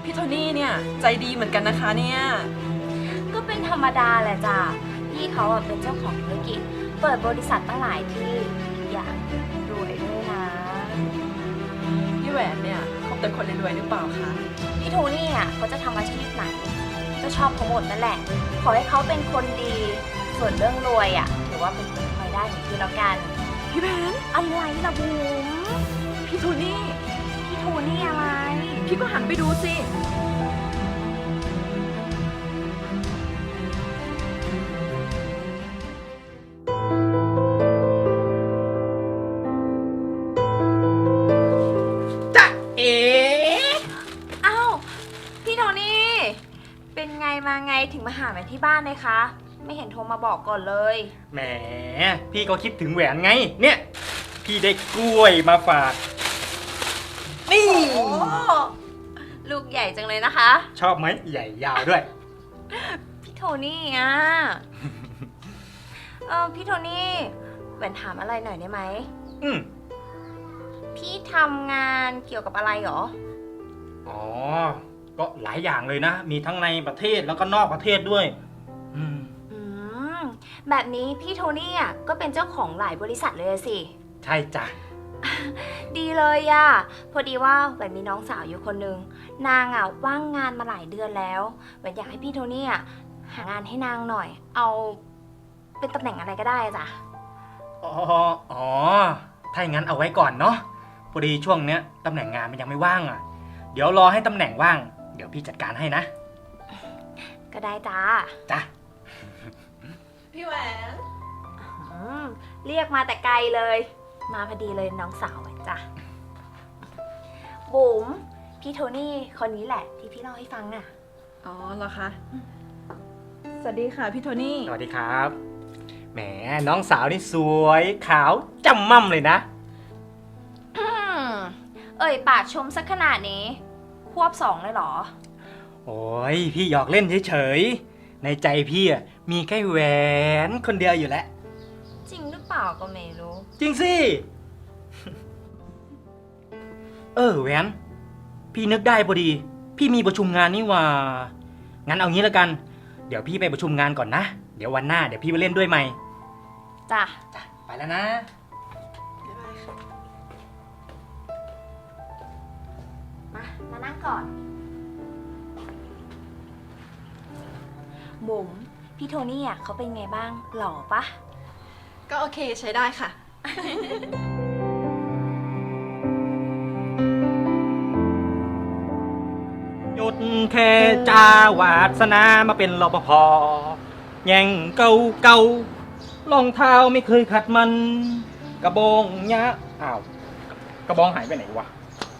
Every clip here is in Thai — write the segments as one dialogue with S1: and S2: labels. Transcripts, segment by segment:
S1: พี่โทนี่เนี่ยใจดีเหมือนกันนะคะเนี่ย
S2: ก็เป็นธรรมดาแหละจ้ะพี่เขาเป็นเจ้าของธุรกิจเปิดบริษัทตั้งหลายที่อย่างรวยด้วยนะ
S1: พี่แหวนเนี่ยคบแต่คนรวยๆหรือเปล่าคะ
S2: พี่โทนี่เขาจะทำอาชีพไหนก็ชอบเขาหมดนั่นแหละ ขอให้เขาเป็นคนดี ส่วนเรื่องรวยถือว่าเป็นคนคอยได้ของพี่แล้วกัน
S1: พี่แหวน
S2: อะไรล่ะบุ๋ม
S1: พี่โทนี่
S2: พี่โทนี่อะไร
S1: พี่ก็หันไปดูสิ
S3: จ๊ะเอ๋
S2: อ้าวพี่โทนี่ เป็นไงมาไงถึงมาหาแม่ที่บ้านเลยคะ ไม่เห็นโทรมาบอกก่อนเลย
S3: แหมพี่ก็คิดถึงแหวนไง เนี่ย พี่ได้กล้วยมาฝาก นี่
S2: โอ้ลูกใหญ่จังเลยนะคะ
S3: ชอบไหมใหญ่ยาวด้วย
S2: พี่โทนี่พี่โทนี่แหวนถามอะไรหน่อยได้ไหม
S3: อืม
S2: พี่ทำงานเกี่ยวกับอะไรหรอ
S3: อ๋อ ก็หลายอย่างเลยนะ มีทั้งในประเทศแล้วก็นอกประเทศด้วย อืม
S2: อืม แบบนี้พี่โทนี่ก็เป็นเจ้าของหลายบริษัทเลยสิ
S3: ใช่จ้ะ
S2: ดีเลยพอดีว่าแหวนมีน้องสาวอยู่คนนึง นางว่างงานมาหลายเดือนแล้วแหวนอยากให้พี่โทนี่หางานให้นางหน่อย เอาเป็นตำแหน่งอะไรก็ได้จ้ะ
S3: อ๋อ ถ้าอย่างนั้นเอาไว้ก่อนเนาะ พอดีช่วงเนี้ยตำแหน่งงานมันยังไม่ว่างอ่ะ เดี๋ยวรอให้ตำแหน่งว่าง เดี๋ยวพี่จัดการให้นะ
S2: ก็ได้จ้า
S3: จ้ะ
S1: พี่แหวน
S2: เรียกมาแต่ไกลเลย มาพอดีเลยน้องสาวแหวนจ้ะบุ๋มพี่โทนี่คนนี้แหละที่พี่เล่าให้ฟังน่ะ
S1: อ๋อเหรอคะ สวัสดีค่ะพี่โทนี่
S3: สวัสดีครับ แหมน้องสาวนี่สวยขาวจำม่ำเลยนะ
S2: เอ่ยปากชมสักขนาดนี้ควบ2เลยเหรอ
S3: โอ้ยพี่หยอกเล่นเฉยๆ ในใจพี่อะมีแค่แหวนคนเดียวอยู่แล้ว
S2: จริงหรือเปล่าก็ไม่รู้
S3: จริงสิ แหวน พี่นึกได้พอดี พี่มีประชุมงานนี่หว่า งั้นเอางี้แล้วกัน เดี๋ยวพี่ไปประชุมงานก่อนนะ เดี๋ยววันหน้าเดี๋ยวพี่ไปเล่นด้วยใหม่
S2: จ้ะ
S3: จ้ะไปแล้วนะ
S2: มานั่งก่อนบุ๋มพี่โทนี่เขาเป็นไงบ้าง หล่อปะ
S1: ก็โอเคใช้ได้ค่ะ
S3: หยุดแค่จ้าวาสนามาเป็นรปภแย่งเก่าเก่ารองเท้าไม่เคยขัดมัน กระบองยะอ้าว กระบองหายไปไหนวะ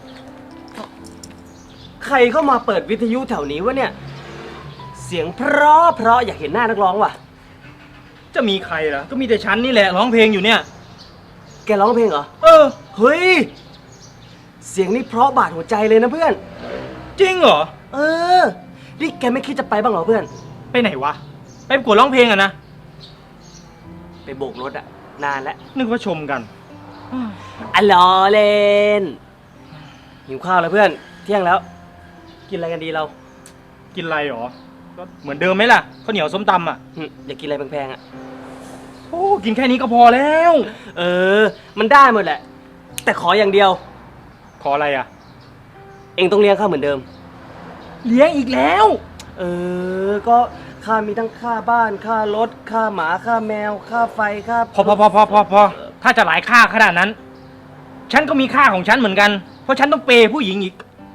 S4: ใครเข้ามาเปิดวิทยุแถวนี้วะเนี่ย เสียงเพราะอยากเห็นหน้านักร้องว่ะ
S3: จะมีใครล่ะ ก็มีแต่ฉันนี่แหละร้องเพลงอยู่เนี่ย
S4: แกร้องเพลงเหรอ
S3: เออ
S4: เฮ้ย เสียงนี่เพราะบาดหัวใจเลยนะเพื่อน
S3: จริงเหรอ
S4: เออ นี่แกไม่คิดจะไปบ้างเหรอเพื่อน
S3: ไปไหนวะ ไปประกวดร้องเพลงอะนะ
S4: ไปโบกรถอะนานแล้ว
S3: นึกว่าชมกัน
S4: อะล้อเล่น หิวข้าวแล้วเพื่อน เที่ยงแล้ว กินอะไรกันดีเรา
S3: กินอะไรหรอ ก็เหมือนเดิมไหมล่ะข้าวเหนียวส้มตำอ่ะ
S4: อยากกินอะไรแพงๆอะ
S3: โอ้กินแค่นี้ก็พอแล้ว
S4: เออ มันได้หมดแหละ แต่ขออย่างเดียว
S3: ขออะไรอ่ะ
S4: เองต้องเลี้ยงข้าเหมือนเดิม
S3: เลี้ยงอีกแล้ว
S4: เออ ก็ค่ามีทั้งค่าบ้าน ค่ารถ ค่าหมา ค่าแมว ค่าไฟ ค่า
S3: พอถ้าจะหลายค่าขนาดนั้น ฉันก็มีค่าของฉันเหมือนกัน เพราะฉันต้องเปย์ผู้หญิงอีก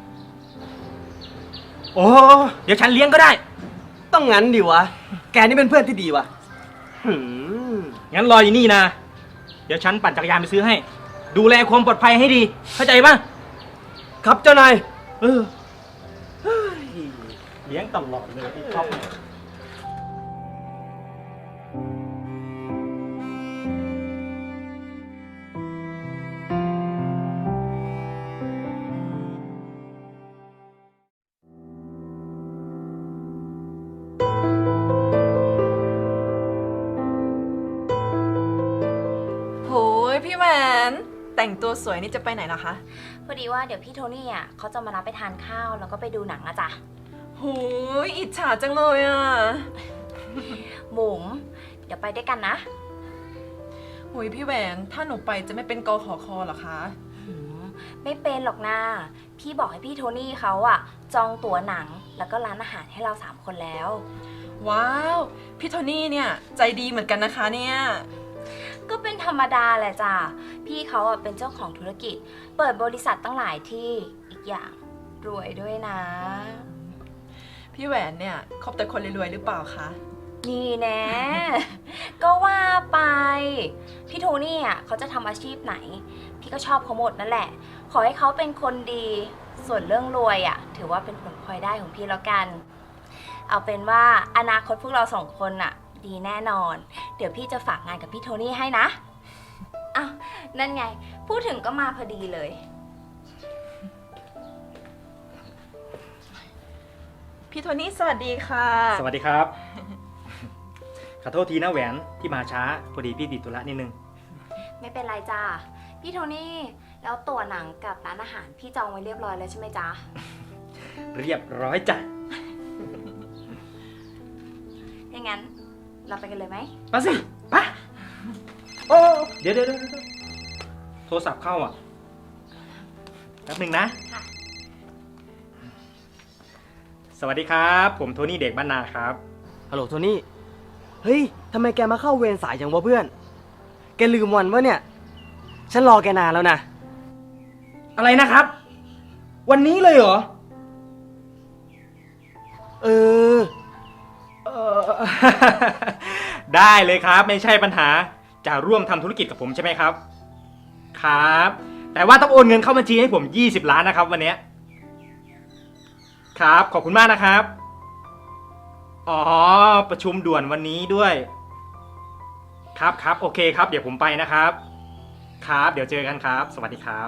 S3: โอ้เดี๋ยวฉันเลี้ยงก็ได้
S4: ต้องงั้นดิวะ แกนี่เป็นเพื่อนที่ดีวะหืม
S3: งั้นรออยู่นี่นะ เดี๋ยวฉันปั่นจักรยานไปซื้อให้ ดูแลความปลอดภัยให้ดี เข้าใจป่ะ
S4: ครับเจ้านาย
S3: เออเฮ้ยเลี้ยงตลอดเลยไอ้ท็อปเนี่ย
S1: โหยพี่แหวนแต่งแต่งตัวสวยนี่จะไปไหนล่ะคะ
S2: พอดีว่าเดี๋ยวพี่โทนี่อ่ะเขาจะมารับไปทานข้าวแล้วก็ไปดูหนังอะจ้ะ
S1: หูยอิจฉาจังเลยอ่ะ
S2: บุ๋มเดี๋ยวไปด้วยกันนะ
S1: หูยพี่แหวนถ้าหนูไปจะไม่เป็นกขอคอเหรอคะ
S2: หืมไม่เป็นหรอกนะพี่บอกให้พี่โทนี่เขาอะจองตั๋วหนังแล้วก็ร้านอาหารให้เรา3 คนแล้ว
S1: ว้าวพี่โทนี่เนี่ยใจดีเหมือนกันนะคะเนี่ย
S2: ก็เป็นธรรมดาแหละจ้ะพี่เขาอะเป็นเจ้าของธุรกิจ เปิดบริษัทตั้งหลายที่อีกอย่างรวยด้วยนะ
S1: พี่แหวนเนี่ยคบแต่คนรวยๆหรือเปล่าคะ
S2: นี่แน่ ก็ว่าไป พี่โทนี่อ่ะเขาจะทำอาชีพไหน พี่ก็ชอบเขาหมดนั่นแหละ ขอให้เขาเป็นคนดี ส่วนเรื่องรวยอ่ะ ถือว่าเป็นผลพลอยได้ของพี่แล้วกัน เอาเป็นว่าอนาคตพวกเรา2 คนอ่ะ ดีแน่นอน เดี๋ยวพี่จะฝากงานกับพี่โทนี่ให้นะอ้าวนั่นไง พูดถึงก็มาพอดีเลย
S1: พี่โทนี่สวัสดีค่ะ
S3: สวัสดีครับ ขอโทษทีนะแหวนที่มาช้าพอดีพี่ติดธุระนิดนึง
S2: ไม่เป็นไรจ้าพี่โทนี่แล้วตั๋วหนังกับร้านอาหารพี่จองไว้เรียบร้อยแล้วใช่ไหมจ๊ะ
S3: เรียบร้อยจ้ะ
S2: อย่างนั้นเราไปกันเลยไหม
S3: มาสิไปโอ้เดี๋ยวโทรศัพท์เข้าอ่ะแป๊บหนึ่งนะ
S2: ค่ะ
S3: สวัสดีครับ ผมโทนี่เด็กบ้านนาครับ
S4: ฮัลโหลโทนี่ เฮ้ย ทำไมแกมาเข้าเวรสายจังวะเพื่อน แกลืมวันวะเนี่ย ฉันรอแกนานแล้วนะ
S3: อะไรนะครับ วันนี้เลยเหรอ
S4: เออ
S3: เออ ได้เลยครับไม่ใช่ปัญหาจะร่วมทำธุรกิจกับผมใช่ไหมครับ ครับ แต่ว่าต้องโอนเงินเข้าบัญชีให้ผม20 ล้านนะครับวันเนี้ยครับขอบคุณมากนะครับ อ๋อประชุมด่วนวันนี้ด้วย ครับโอเคครับเดี๋ยวผมไปนะครับ ครับเดี๋ยวเจอกันครับ สวัสดีครับ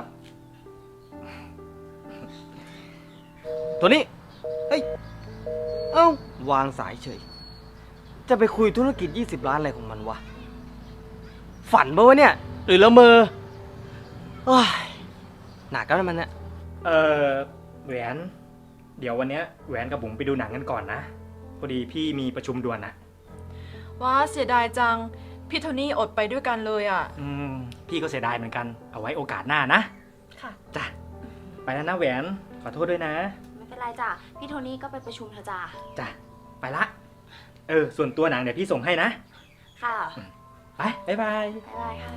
S4: โทนี่ เฮ้ย เอ้า วางสายเฉย จะไปคุยธุรกิจ20 ล้านอะไรของมันวะ ฝันปะวะเนี่ย หรือละเมอโอ้ยหนักแล้วมันเนี่ย
S3: แหวน เดี๋ยววันเนี้ยแหวนกับบุ๋มไปดูหนังกันก่อนนะ พอดีพี่มีประชุมด่วนนะ
S1: ว้าเสียดายจัง พี่โทนี่อดไปด้วยกันเลยอ่ะ
S3: พี่ก็เสียดายเหมือนกัน เอาไว้โอกาสหน้านะ
S1: ค่ะ
S3: จ้ะ ไปแล้วนะแหวน ขอโทษด้วยนะ
S2: ไม่เป็นไรจ้ะพี่โทนี่ก็ไปประชุมเถอะจ้ะ
S3: จ้ะ ไปละ ส่วนตัวหนังเดี๋ยวพี่ส่งให้นะ
S2: ค่ะ
S3: ไป บ๊ายบาย
S2: บ๊ายบายค่ะ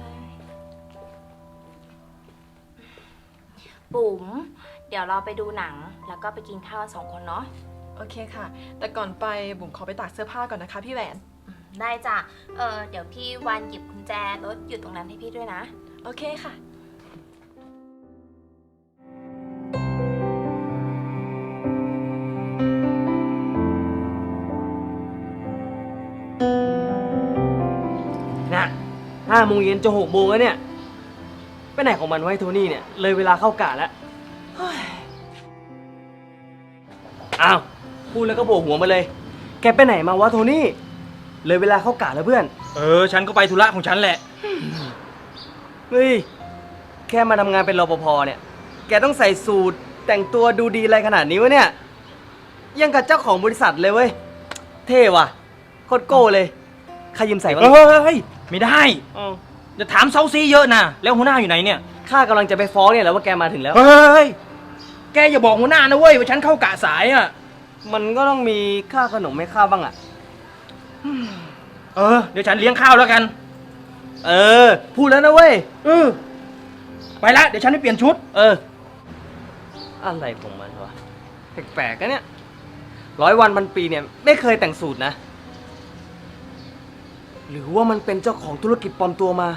S2: บุ๋มเดี๋ยวเราไปดูหนังแล้วก็ไปกินข้าวกัน2 คนเนาะ
S1: โอเคค่ะ แต่ก่อนไปบุ๋มขอไปตากเสื้อผ้าก่อนนะคะพี่แหวน
S2: ได้จ้ะเดี๋ยวพี่วันหยิบกุญแจรถอยู่ตรงนั้นให้พี่ด้วยนะ
S1: โอเคค่ะ
S4: น่ะ5 โมงเย็นจะ6 โมงแล้วเนี่ย ไปไหนของมันไวะไอ้โทนี่เนี่ย เลยเวลาเข้ากะแล้วเฮ้ยอ้าว พูดแล้วก็โบกหัวมาเลย แกไปไหนมาวะโทนี่ เลยเวลาเข้ากะแล้วเพื่อน
S3: ฉันก็ไปธุระของฉันแหละ
S4: เฮ้ย แค่มาทำงานเป็นรปภเนี่ย แกต้องใส่สูทแต่งตัวดูดีอะไรขนาดนี้วะเนี่ย ยังกับเจ้าของบริษัทเลยเว้ย เท่ว่ะ โคตรโก้เลย ใครยืมใส่บ้าง
S3: เฮ้ย ไม่ได้
S4: อ้าว
S3: จะถามเซาซีเยอะนะ แล้วหัวหน้าอยู่ไหนเนี่ย
S4: ข้ากำลังจะไปฟ้องเนี่ยแหล้วว่าแกมาถึงแล้ว
S3: เฮ้ย แกอย่าบอกหัวหน้านะเว้ยว่าฉันเข้ากะสายอ่ะ
S4: มันก็ต้องมีค่าขนมให้ข้าบ้างอ่ะ
S3: เดี๋ยวฉันเลี้ยงข้าวแล้วกัน
S4: พูดแล้วนะเว้ย
S3: ไปละ เดี๋ยวฉันไปเปลี่ยนชุด
S4: อะไรของมันวะ แปลกๆนะเนี่ย100 วันพันปีเนี่ยไม่เคยแต่งสูตรนะ หรือว่ามันเป็นเจ้าของธุรกิจปลอมตัวมา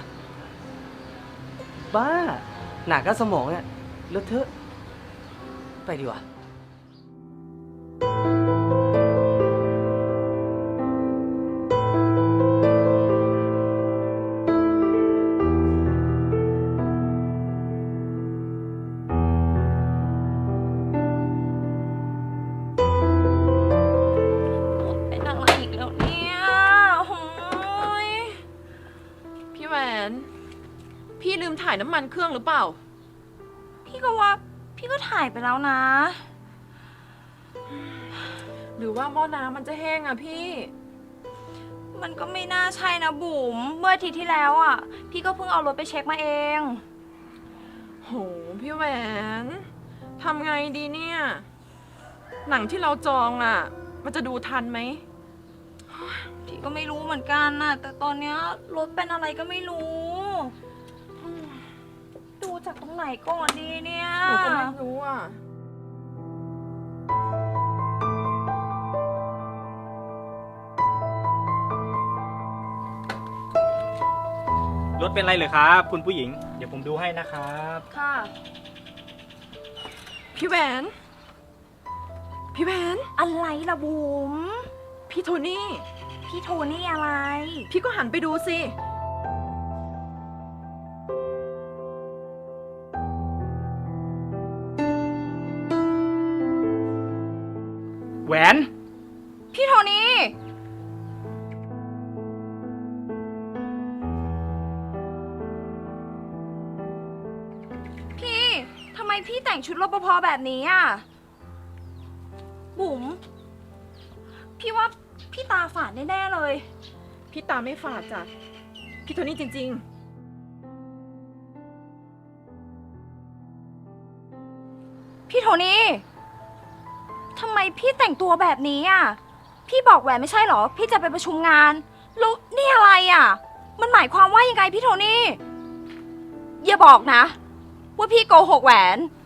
S4: บ้า หนักก็สมองเนี่ยเลอะเทอะ ไปดีกว่า
S1: เป็นอะไรอีกแล้วเนี่ยโอ้ยพี่แหวนพี่ลืมถ่ายน้ำมันเครื่องหรือเปล่า
S2: พี่ก็ว่าพี่ก็ถ่ายไปแล้วนะ
S1: หรือว่าหม้อน้ำมันจะแห้งอะพี่
S2: มันก็ไม่น่าใช่นะบุ๋ม เมื่ออาทิตย์ที่แล้วอ่ะ พี่ก็เพิ่งเอารถไปเช็คมาเอง
S1: โห พี่แหวนทำไงดีเนี่ย หนังที่เราจองอะมันจะดูทันไหม
S2: พี่ก็ไม่รู้เหมือนกันน่ะ แต่ตอนเนี้ยรถเป็นอะไรก็ไม่รู้ดูจากตรงไหนก่อนดีเนี่ย
S1: หนูก็ไม่รู้อะ
S3: รถเป็นไรเลยครับ คุณผู้หญิง เดี๋ยวผมดูให้นะครับ
S2: ค่ะ
S1: พี่แหวน พี่แหวน
S2: อะไรล่ะบุ๋ม
S1: พี่โทนี่
S2: พี่โทนี่อะไร
S1: พี่ก็หันไปดูสิ
S3: แหวน
S2: พี่โทนี่ พี่ทำไมพี่แต่งชุดรปภแบบนี้อ่ะ บุ๋ม พี่ว่าพี่ตาฝาดแน่ๆเลย
S1: พี่ตาไม่ฝาดจ้ะ พี่โทนี่จริง
S2: พี่โทนี่ทำไมพี่แต่งตัวแบบนี้อ่ะ พี่บอกแหวนไม่ใช่เหรอ พี่จะไปประชุมงานแล้วนี่อะไรอ่ะ มันหมายความว่ายังไงพี่โทนี่ อย่าบอกนะ ว่าพี่โกหกแหวน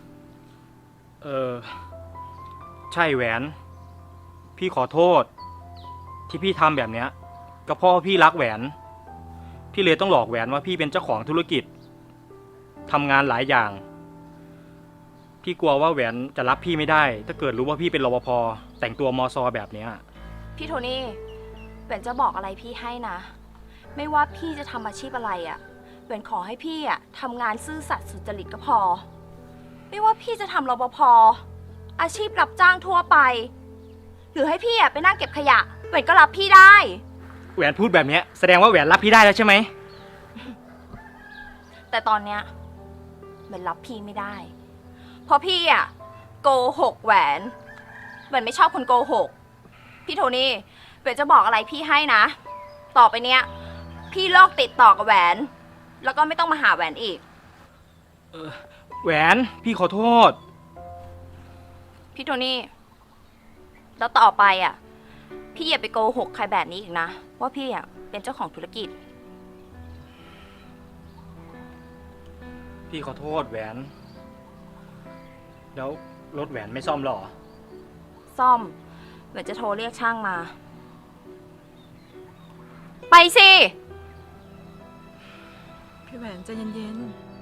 S3: ใช่แหวน พี่ขอโทษ ที่พี่ทำแบบเนี้ยก็เพราะว่าพี่รักแหวน พี่เลยต้องหลอกแหวนว่าพี่เป็นเจ้าของธุรกิจทำงานหลายอย่าง พี่กลัวว่าแหวนจะรับพี่ไม่ได้ ถ้าเกิดรู้ว่าพี่เป็นรปภแต่งตัวมอซอแบบเนี้ย
S2: พี่โทนี่แหวนจะบอกอะไรพี่ให้นะ ไม่ว่าพี่จะทำอาชีพอะไรอ่ะแหวนขอให้พี่อ่ะทำงานซื่อสัตย์สุจริตก็พอ ไม่ว่าพี่จะทำรปภอาชีพรับจ้างทั่วไป หรือให้พี่อ่ะไปนั่งเก็บขยะแหวนก็รับพี่ได้
S3: แหวนพูดแบบเนี้ยแสดงว่าแหวนรับพี่ได้แล้วใช่ไหม
S2: แต่ตอนเนี้ยแหวนรับพี่ไม่ได้ เพราะพี่อ่ะโกหกแหวนไม่ชอบคนโกหก พี่โทนี่แหวนจะบอกอะไรพี่ให้นะ ต่อไปเนี้ยพี่เลิกติดต่อกับแหวน แล้วก็ไม่ต้องมาหาแหวนอีก
S3: แหวนพี่ขอโทษ
S2: พี่โทนี่แล้วต่อไปอ่ะ พี่อย่าไปโกหกใครแบบนี้อีกนะ ว่าพี่อ่ะเป็นเจ้าของธุรกิจ
S3: พี่ขอโทษแหวน แล้วรถแหวนไม่ซ่อมหรอ
S2: ซ่อมแหวนจะโทรเรียกช่างมา ไปสิ
S1: ๆ พี่แหวนใจเย็นๆ